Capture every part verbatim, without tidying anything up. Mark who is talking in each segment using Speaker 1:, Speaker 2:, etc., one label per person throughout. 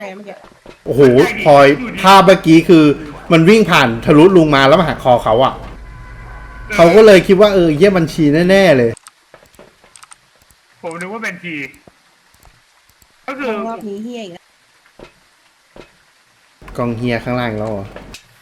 Speaker 1: เมื่อกี้
Speaker 2: โอ้โหพลอยภาพเมื่อกี้คือมันวิ่งผ่านทะลุลุงมาแล้วมาหักคอเขาอ่ะเขาก็เลยคิดว่าเออเยี่ยบัญชีแน่ๆเลย
Speaker 3: ผมนึกว่าเป็นทีก็คือ
Speaker 1: รอบนี้เฮียอีกแล้ว
Speaker 2: กองเฮียข้างล่างแล้วเหรอ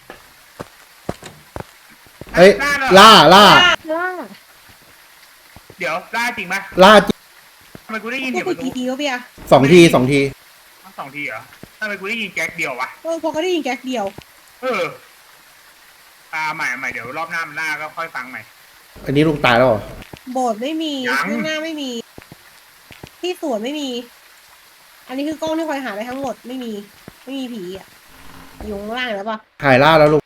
Speaker 2: เอ้ยล่าล่า
Speaker 1: ล่า
Speaker 3: เดี๋ยวล่าจริงไหม
Speaker 2: ล่าจริง
Speaker 3: ทำไมกูได้ยิน
Speaker 1: กู
Speaker 3: เดี๋ยว
Speaker 1: ไป
Speaker 3: ประตู
Speaker 1: กี่ทีวะพี่อะ
Speaker 2: สองทีสองที
Speaker 3: สองทีเหรอทำไมกูได้ยินแก๊กเดียววะ
Speaker 1: เออพอก็ได้ยินแก๊กเดียว
Speaker 3: เอออ่าใหม่ใหม่เดี๋ยวรอบหน้ามันล่าก็ค่อยฟังใหม่
Speaker 2: อันนี้ลุงตายแล้วเหรอ
Speaker 1: โบสถ์ไม่มีข้างหน้าไม่มีที่สวนไม่มีอันนี้คือกล้องที่คอยหาได้ทั้งหมดไม่มีไม่มีผีอ่ะอยู่ข้างล่างแล้วปะ
Speaker 2: หายล่าแล้วลุง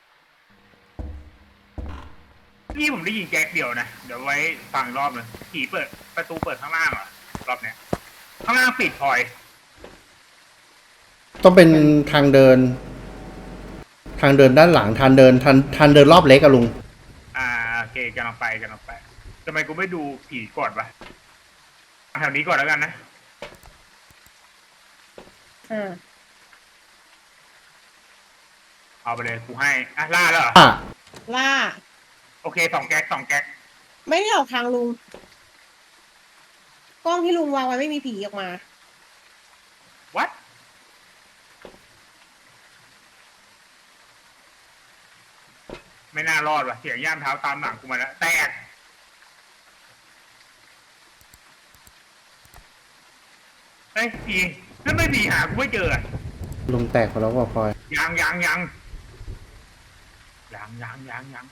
Speaker 3: นี่ผมได้ยินแก๊กเดียวนะเดี๋ยวไว้ฟังรอบนึงผีเปิดประตูเปิดข้างล่างเหรอรอบเนี้ยข้างล่างปิดพลอย
Speaker 2: ต้องเป็นทางเดิน ทางเดินด้านหลังทางเดินทางทางเดินรอบเล็กอะลุง
Speaker 3: อ่าโอเคกันออกไปกันออกไปทำไมกูไม่ดูผีก่อนวะแถวนี้ก่อนแล้วกันนะ
Speaker 1: อ่า
Speaker 3: เอาไปเลยกูให้อ่ะล่าแล้วเหรอ
Speaker 1: ล่า
Speaker 3: โอเคสองแก๊กสองแก๊ก
Speaker 1: ไม่ได้ออกทางลุงกล้องที่ลุงวางไว้ไม่มีผีออกมา
Speaker 3: วัดไม่น่ารอดว่ะเสียงย่ามเท้าตามหลังกูมาแล้วแตกเฮ้ยผีนั่นไม่ผีหากูไม่เจอ
Speaker 2: ลุงแตกไปแล้วว่าพลอย
Speaker 3: ยังยังยังยังยังยังยัง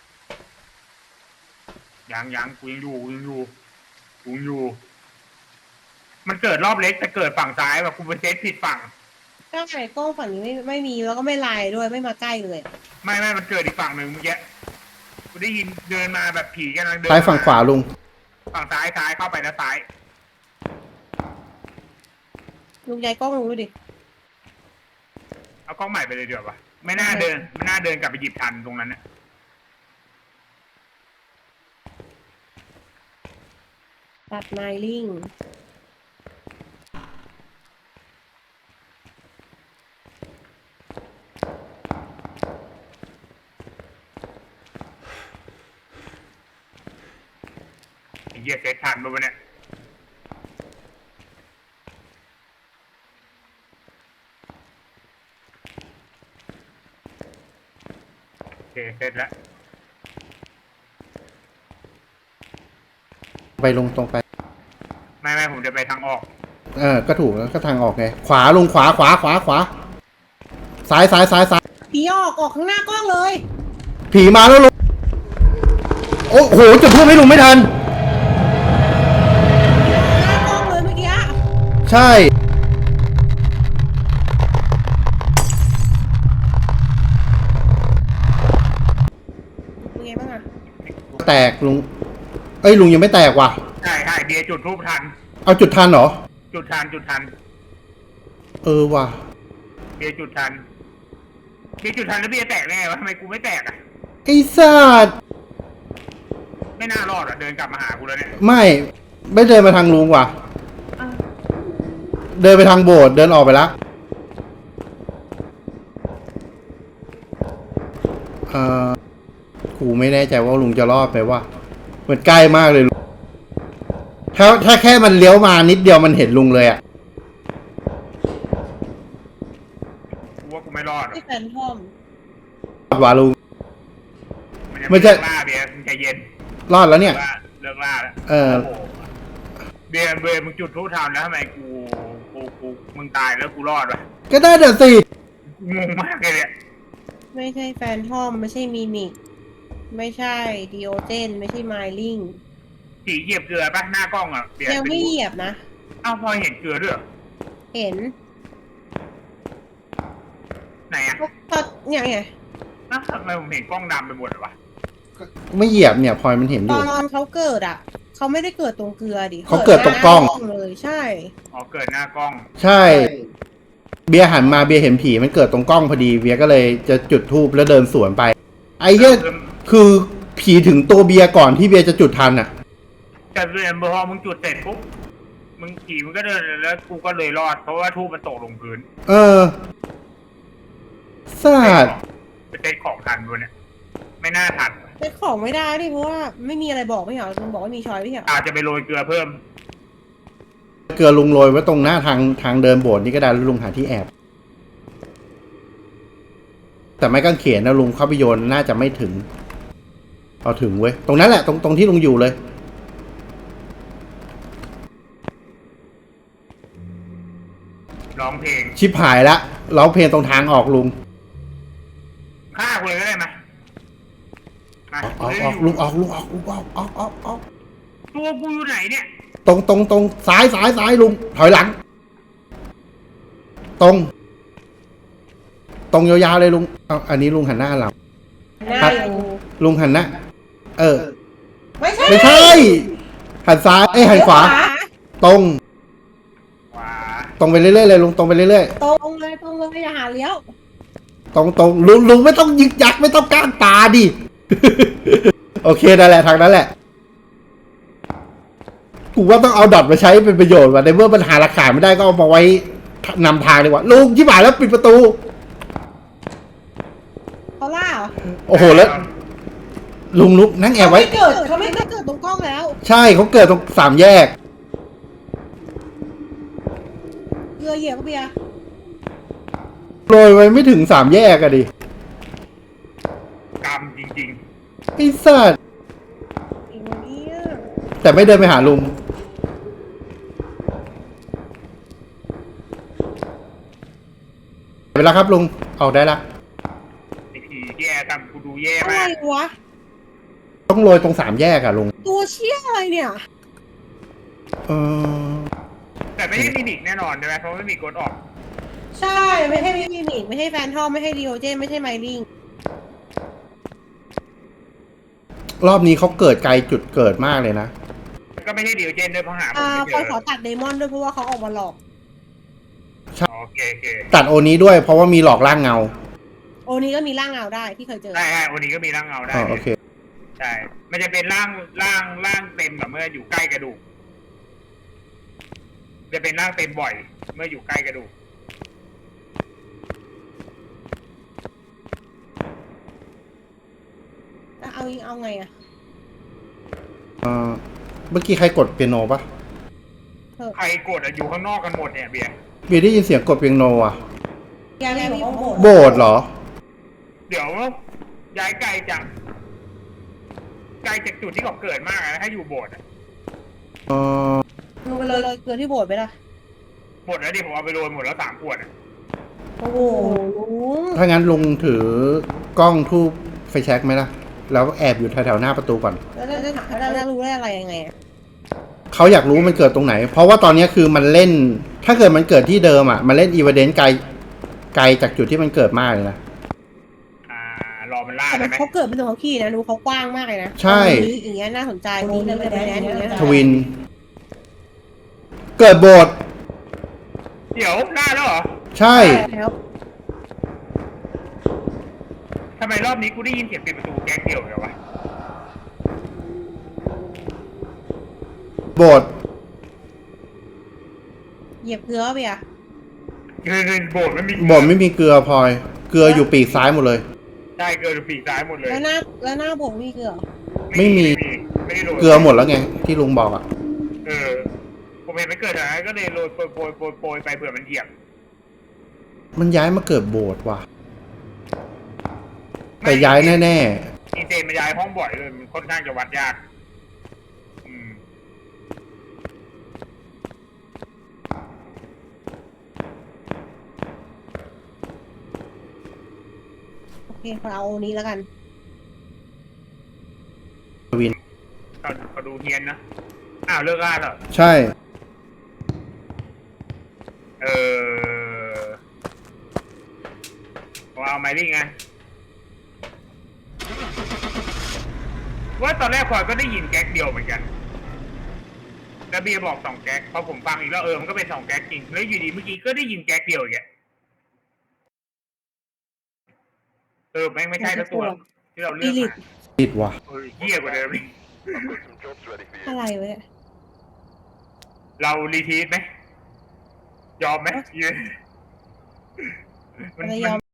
Speaker 3: ยังยังกูยังอยู่กูยังอยู่กูยังอยู่มันเกิดรอบเล็กแต่เกิดฝั่งซ้ายแบบกูไปเซตผิดฝั่ง
Speaker 1: ก็ไข่กล้องฝั่งนี้ไม่ไม่มีแล้วก็ไม่ไลน์ด้วยไม่มาใกล้เลย
Speaker 3: ไม่ไม่มันเกิดอีกฝั่งหนึ่งเมื่อกี้กูได้ยินเดินมาแบบผีกันเดิน
Speaker 2: ซ้ายฝั่งขวาลุง
Speaker 3: ฝั่งซ้ายซ้ายเข้าไปนะซ้าย
Speaker 1: ลุงย้ายกล้องลุงดูดิ
Speaker 3: เอากล้องใหม่ไปเลยเดี๋ยววะไม่น่าเดินไม่น่าเดินกลับไปหยิบทันตรงนั้นเนี่ย
Speaker 1: ตัดไมลิง
Speaker 3: ไอ้เหี้ยเซตทันป่ะวะเนี่ยโอเคเสร็จแล้ว
Speaker 2: ไปลงตรงไป
Speaker 3: ไม่ไม่ผมจะไปทางออก
Speaker 2: เออก็ถูกแล้วก็ทางออกไงขวาลงขวาขวาขวาขวาซ้ายซ้ายซ้ายซ้าย
Speaker 1: ผีออกออกข้างหน้ากล้องเลย
Speaker 2: ผีมาแล้วลุงโอ้โหจุดทูบให้ลุงไม่ทัน
Speaker 1: หน้ากล้องเลยเมื่อกี้
Speaker 2: ใช่
Speaker 1: เป็นไงบ้างอะ
Speaker 2: แตกลุงเอ้ยลุงยังไม่แตกว่ะ
Speaker 3: ใช่ใช่เบียร์จุดทูบทัน
Speaker 2: เอาจุดทันเหรอ
Speaker 3: จุดทันจุดทัน
Speaker 2: เออว่ะ
Speaker 3: เบียร์จุดทันเบียร์จุดทันแล้วเบียร์แตกแน่วะทำไมกูไม่แตกอ่ะ
Speaker 2: ไอ้สัตว์
Speaker 3: ไม่น่ารอดอ่ะเดินกลับมาหากูแล้วเนี่ย
Speaker 2: ไม่ไม่เดินมาทางลุงว่ะเดินไปทางโบสถ์เดินออกไปแล้วเออกูไม่แน่ใจว่าลุงจะรอดไหมว่ามันใกล้มากเลยถ้าถ้าแค่มันเลี้ยวมานิดเดียวมันเห็นลุงเลยอ่ะ
Speaker 3: กูว่ากูไม่รอด
Speaker 1: ที่แฟนทอม
Speaker 2: ว่าลุง
Speaker 3: ไม่ใช่ล่าเบียร์ใจเย็น
Speaker 2: รอดแล้วเนี่ย
Speaker 3: เลิกล่าแล้ว
Speaker 2: เออ
Speaker 3: เบียร์เบียร์มึงจุดทูบทำแล้วทำไมกูกูกูมึงตายแล้วกูรอดวะ
Speaker 2: ก็ได้เดี๋ยวสิ
Speaker 3: งงมากเลยเนี่ย
Speaker 1: ไม่ใช่แฟนทอมไม่ใช่มินิกไม่ใช่ดิโอเจนไม่ใช่ไมลิง
Speaker 3: สีเหยียบเกลือปะหน้ากล้องอ่ะ
Speaker 1: ยังไม่เหยียบนะ
Speaker 3: อ้าวพอเห็นเกลือด้วย
Speaker 1: เห็น
Speaker 3: ไหนอ่ะ
Speaker 1: ก็เนี่ยไง
Speaker 3: นะทำไมผมเห็นกล้องดำไปหมดเลยวะ
Speaker 2: ไม่เหยียบเนี่ยพลอยมันเห็นอยู่
Speaker 1: ตอนเขาเกิดอ่ะเขาไม่ได้เกิดตรงเกลือดิ
Speaker 2: เขาเกิดตรงกล้อง
Speaker 1: เลยใช่
Speaker 3: อ๋อเกิดหน้ากล้อง
Speaker 2: ใช่เบียร์หันมาเบียร์เห็นผีมันเกิดตรงกล้องพอดีเบียร์ก็เลยจะจุดธูปแล้วเดินสวนไปไอ้เหี้ยคือผีถึงตัวเบียร์ก่อนที่เบียร์จะจุดทันอ่ะ
Speaker 3: แต่เบียร์พอมึงจุดเสร็จปุ๊บมึงขี่มึงก็เดินแล้วกูก็เลยรอดเพราะว่าทูบมันตกลงพื้น
Speaker 2: เออสาด
Speaker 3: เป็นเซ็ตของทันด้วยเนี่ยไม่น่าทัน
Speaker 1: เซ็ตของไม่ได้ดิเพราะว่าไม่มีอะไรบอกไม่เหรอลุงบอกว่ามีชอยไม่เหรอ
Speaker 3: อาจจะไปโรยเกลือเพิ่ม
Speaker 2: เกลือลุงโรยไว้ตรงหน้าทางทางเดินโบสถ์นี่ก็ได้แล้วลุงหาที่แอบ แต่ไม่กางเขนนะลุงเข้าไปโยนน่าจะไม่ถึงเอาถึงเว้ยตรงนั้นแหละตรงตรงที่ลุงอยู่เลย
Speaker 3: ร้องเพลง
Speaker 2: ชิบหายละร้องเพลงตรงทางออกลุง
Speaker 3: ฆ่ากูเลยก็ได้ไหมมา
Speaker 2: ออกออกออกลุงออกลุงออกลุงออกออกออกออก
Speaker 3: ตัวกูอยู่ไหนเนี่ย
Speaker 2: ตรงตรงตรงซ้ายซ้ายซ้ายลุงถอยหลัง ตรง ตรงยาวๆเลยลุงเอาอันนี้ลุงหันหน้าหลัง
Speaker 1: หน้า
Speaker 2: ครับ
Speaker 1: อยู่
Speaker 2: ลุงหันหน้าเออ
Speaker 1: ไม่ใช่
Speaker 2: ไม่ใช่หันซ้ายเอ้ยหันขวา ตรง
Speaker 3: ขวา
Speaker 2: ตรงไปเรื่อยๆเลยลุงตรงไปเรื่อย
Speaker 1: ตรงเลยตรงเลยอย่าหาเลี้ยว
Speaker 2: ๆตรงตรงลุงลุงไม่ต้องยึกยักไม่ต้องก้างตาดิ โอเคนั่นแหละทางนั้นแหละกูว่าต้องเอาดอทมาใช้เป็นประโยชน์ว่ะในเมื่อมันหาหลักฐานไม่ได้ก็เอามาไว้นำทางดีกว่าลุงที่หมายแล้วปิดประตู
Speaker 1: เขาล่าเหรอ
Speaker 2: โอ้โหแล้ว ลุงลุกนั่งแอบไว้
Speaker 1: เขาไม่เกิดเขาไม่เกิดตรงกล้องแล้ว
Speaker 2: ใช่เขาเกิดตรงสามแยก
Speaker 1: เกลือเหยียบก็เบียร์
Speaker 2: โรยไว้ไม่ถึงสามแยกอะดิ
Speaker 3: กรรมจริง
Speaker 2: ไอ้สัส
Speaker 1: อีกวันนี้อะ
Speaker 2: แต่ไม่เดินไปหาลุงเวลาครับลุงออกได้ละ
Speaker 3: ๆไอ้ผีแย่ทำกูดูแย่
Speaker 1: อะไร
Speaker 3: มาก
Speaker 1: วะ
Speaker 2: ต้องโรยตรงสามแยกอะลุง
Speaker 1: ตัวเชี่ยอะไรเนี่ย
Speaker 2: เออ
Speaker 3: แต่ไม่ใช่มินิกแน่นอนใช่ไหมเพราะไม่มีกดออก
Speaker 1: ใช่ไม่ใช่มิมิกไม่ใช่แฟนทอมไม่ใช่ดีโอเจนไม่ใช่ไมลิง
Speaker 2: รอบนี้เขาเกิดไกลจุดเกิดมากเลยนะ
Speaker 3: ก็ไม่ใช่ดิวเจนด้วยเพราะหาผม
Speaker 1: อ่า
Speaker 3: ไม่
Speaker 1: ค
Speaker 3: เจ
Speaker 1: อย
Speaker 3: อ
Speaker 1: ขอตัดเดมอนด้วยเพราะว่าเขาออกมาหลอก
Speaker 3: โอเคโอเค
Speaker 2: ตัดโอนี้ด้วยเพราะว่ามีหลอกล่างเงา
Speaker 1: โอนี้ก็มีร่างเงาได้ที่เคยเจอ
Speaker 3: ใช่ใช่วันนี้ก็มีร่างเงาได้
Speaker 2: อ๋อโอเค
Speaker 3: ใช่มันจะเป็นร่างร่างร่างเต็มแบบเมื่ออยู่ใกล้กระดูกจะเป็นร่างเต็มบ่อย เมื่ออยู่ใกล้กระดูก
Speaker 1: แล้วเอาเอาไงอะ
Speaker 2: เออเมื่อกี้ใครกดเปียโนปะ
Speaker 3: ใครกดอะอยู่ข้างนอกกันหมดเนี่ยเบียร์
Speaker 2: เบียร์ได้ยินเสียงกดเปียโนอะ
Speaker 1: ยังไม่อยู่ข้างบน
Speaker 2: โบสถ์เหรอ
Speaker 3: เดี๋ยวย้ายไกลจากไกลจากจุดที่เขาเกิดมากนะถ้าอยู่โบสถ์อะ
Speaker 2: เออ
Speaker 1: ดูไปเลยเลยเกลือที่โบสถ์ไปละ
Speaker 3: หมดแล้วดิผมเอาไปโรยหมดแล้วสามขวดอะ
Speaker 1: โอ้โหลุง
Speaker 2: ถ้างั้นลุงถือกล้องทูบไฟแช็กไหมล่ะ แล้วแอบอยู่แถวๆหน้าประตูก่อน
Speaker 1: แล้วจะถามแล้วจะรู้ได้อะไรยังไงอะ
Speaker 2: เขาอยากรู้มันเกิดตรงไหน เพราะว่าตอนนี้คือมันเล่น ถ้าเกิดมันเกิดที่เดิมอ่ะ มันเล่นอีเวนต์ไกล ไกลจากจุดที่มันเกิดมากเลยนะ
Speaker 3: อ่ารอมันล่า
Speaker 1: แต่มั
Speaker 3: ใช่
Speaker 1: น
Speaker 3: ไหม
Speaker 1: เขาเกิดเป็นตัวเขาขี้นะดูเขากว้างมากเลยนะ
Speaker 2: ใช่
Speaker 1: ตรงนี้อย่างเงี้ยน่าสนใจนี่เลยเป็นแดนอย่างเงี้ย
Speaker 2: ทวิน เกิดโบสถ์
Speaker 3: เดี๋ยวล่าแล้วเหรอ
Speaker 2: ใช่
Speaker 1: แล้ว
Speaker 3: ทำไมรอบนี้กูได้ยินเสียงปิดประตูแก๊งเดียวเลยวะ
Speaker 2: โบสถ์
Speaker 1: เหยียบเกลือเบียร์
Speaker 3: เงินเงินโบสถ์ไม่มี
Speaker 2: โบสถ์ไม่มีเกลือพลอย เกลืออยู่ปีกซ้ายหมดเลย
Speaker 3: ใช่เกินปีกซ้ายหมดเลย
Speaker 1: แล้วหน้าแล้วหน้าโบสถ์มีเกลือเหรอ
Speaker 2: ไม่มี
Speaker 3: ไม่ได้โรย
Speaker 2: เกลือหมดแล้วไง ที่ลุงบอกอ่ะ
Speaker 3: เออผมเห็นมันเกิดอะไรก็เลยโรยโปรยโปรยโปรยโปรยไปเผื่อมันเหยียบ
Speaker 2: มันย้ายมาเกิดโบสถ์ว่ะ แต่ย้ายแน่
Speaker 3: อีเจนมันย้ายห้องบ่อยเลยมันค่อนข้างจะวัดยากอืม
Speaker 1: โอเคขอเอาอันนี้แล้วกัน
Speaker 2: ๆทวิน
Speaker 3: เขาเขาดูเฮียนนะอ้าวเลิกล่าแล้ว
Speaker 2: ใช่
Speaker 3: เออผมเอาไมลิ่งไงว่าตอนแรกพลอยก็ได้ยินแก๊กเดียวเหมือนกันแล้วเบียร์บอกสองแก๊กพอผมฟังอีกแล้วเออมันก็เป็นสองแก๊กจริงแล้วอยู่ดีเมื่อกี้ก็ได้ยินแก๊กเดียวอีกอะเออแม่งไม่ใช่ทั้งตัวที่เราเลือกมา
Speaker 2: ติดว่ะ
Speaker 3: เออเหี้ยกว่าเดิมอีก
Speaker 1: อะไรวะเนี่ย
Speaker 3: เรารีทีสไหมยอมไหมยืน
Speaker 1: มันจะยอม